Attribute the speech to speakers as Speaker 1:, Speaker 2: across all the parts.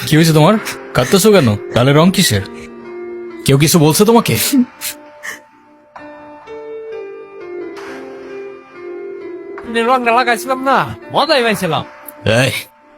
Speaker 1: কি হয়েছে তোমার? কাঁদতেছো কেন? গালের রং কিসের? কেউ কিছু বলছে তোমাকে?
Speaker 2: রংটা লাগাইছিলাম না, মজাই পাইছিলাম।
Speaker 1: এই,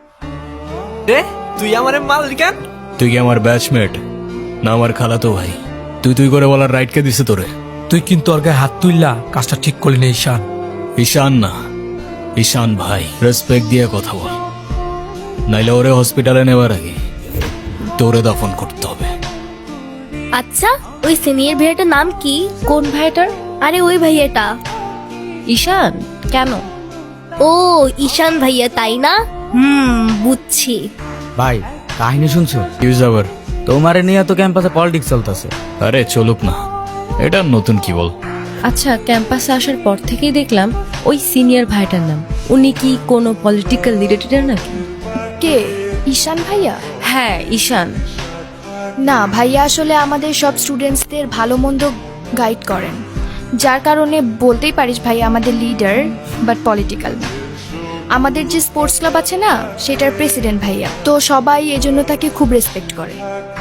Speaker 2: তুই আমার মাল কেন?
Speaker 1: তুই কি আমার ব্যাচমেট না আমার খালাতো ভাই? তুই করে বলার রাইট কে দিছে তোরে?
Speaker 3: তুই কিন্তু ওর গায়ে হাত তুললা, কাজটা ঠিক করলি না ঈশান।
Speaker 1: ঈশান না, ঈশান ভাই। রেসপেক্ট দিয়ে কথা বল, নাইলে ওরে হসপিটালে নেওয়ার আগে তোরে দাফন করতে হবে।
Speaker 4: আচ্ছা, ওই সিনিয়র ভাইয়াটার নাম কি?
Speaker 5: কোন ভাইটার?
Speaker 4: আরে ওই ভাইয়াটা।
Speaker 5: ঈশান? কেন?
Speaker 4: ও ঈশান ভাইয়া, তাই না? বুঝছি।
Speaker 6: ভাই কাহিনী শুনছো?
Speaker 1: ইউজ আবার।
Speaker 6: তোমারে নিয়ে তো ক্যাম্পাসে পলিটিক্স চলতেছে।
Speaker 1: আরে চলুক না, এটা নতুন কি বল।
Speaker 5: আচ্ছা, ক্যাম্পাসে আসার পর থেকেই দেখলাম ওই সিনিয়র ভাইটার নাম। উনি কি কোনো পলিটিক্যাল রিলেটেড নাকি?
Speaker 7: কে? ঈশান ভাইয়া?
Speaker 5: হ্যাঁ, ঈশান।
Speaker 7: না, ভাইয়া আসলে আমাদের সব স্টুডেন্টসদের ভালো মন্দ গাইড করেন, যার কারণে বলতেই পারিস ভাইয়া আমাদের লিডার, বাট পলিটিক্যাল না। আমাদের যে স্পোর্টস ক্লাব আছে না, সেটার প্রেসিডেন্ট ভাইয়া, তো সবাই এজন্য তাকে খুব রেসপেক্ট করে।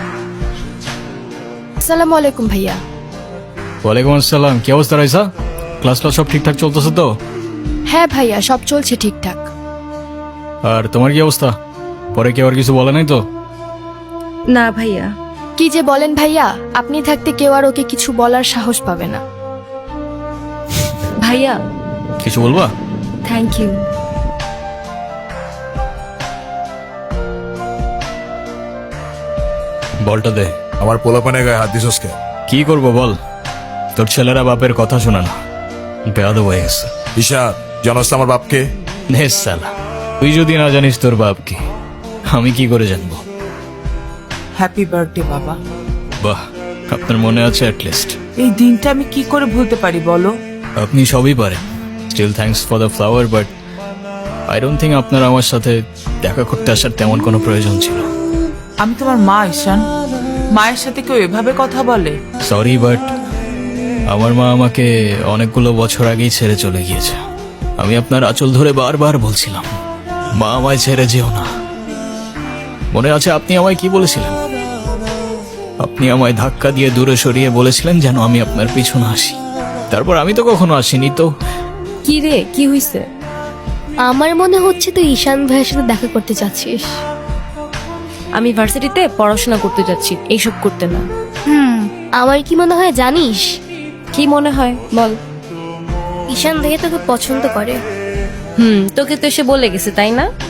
Speaker 7: আসসালামু আলাইকুম ভাইয়া।
Speaker 1: ওয়ালাইকুম আসসালাম। কি অবস্থা রাইসা? ক্লাস সব ঠিকঠাক চলতেছে তো?
Speaker 7: হ্যাঁ ভাইয়া, সব চলছে ঠিকঠাক।
Speaker 1: আর তোমার কি অবস্থা? পরে কেউ আর কিছু বলে নাই তো?
Speaker 5: না ভাইয়া।
Speaker 7: কি যে বলেন ভাইয়া, আপনি থাকতে কেউ আর ওকে কিছু বলার সাহস পাবে না।
Speaker 5: ভাইয়া,
Speaker 1: কিছু বলবা?
Speaker 5: Thank you.
Speaker 1: বলটা দে।
Speaker 8: আমার পোলাপানে গায়ে হাত দিছস কে?
Speaker 1: কি করবো বল, তোর ছেলেরা বাপের কথা শোনা না, বেয়াদব হয়ে গেছে।
Speaker 8: ঈশান, জানোস তো আমার বাপকে?
Speaker 1: নে সালা, তুই যদি না জানিস তোর বাপকে, আমি কি করে জানবো?
Speaker 9: হ্যাপি বার্থডে বাবা।
Speaker 1: বাহ, আপনার মনে আছে অ্যাটলিস্ট।
Speaker 9: এই দিনটা আমি কি করে ভুলতে পারি বলো?
Speaker 1: আপনি সবই পারেন। Still thanks for the flower, but I don't think আপনার আমার সাথে দেখা করতে আসার তেমন কোনো প্রয়োজন ছিল।
Speaker 9: আমি তোমার মা ঈশান, মায়ের সাথে কেউ এভাবে কথা বলে?
Speaker 1: সরি, বাট আমার মা আমাকে অনেকগুলো বছর আগেই ছেড়ে চলে গিয়েছে। আমি আপনার আঁচল ধরে বারবার বলছিলাম, মা আমায় ছেড়ে যেও না। মনে আছে আপনি আমায় কি বলেছিলেন? আপনি আমায় ধাক্কা দিয়ে দূরে সরিয়ে বলেছিলেন যেন আমি আপনার পিছনে আসি। তারপর আমি তো কখনো আসিনি তো।
Speaker 5: কি রে, কি হইছে?
Speaker 4: আমার মনে হচ্ছে তুই ঈশান ভাইয়ের সাথে দেখা করতে চাচ্ছিস।
Speaker 5: আমি ভার্সিটিতে পড়াশোনা করতে যাচ্ছি, এইসব করতে না।
Speaker 4: আমার কি মনে হয় জানিস?
Speaker 5: কি মনে হয় বল।
Speaker 4: ঈশান ভাইয়া তোকে পছন্দ করে।
Speaker 5: তোকে তো এসে বলে গেছে, তাই না?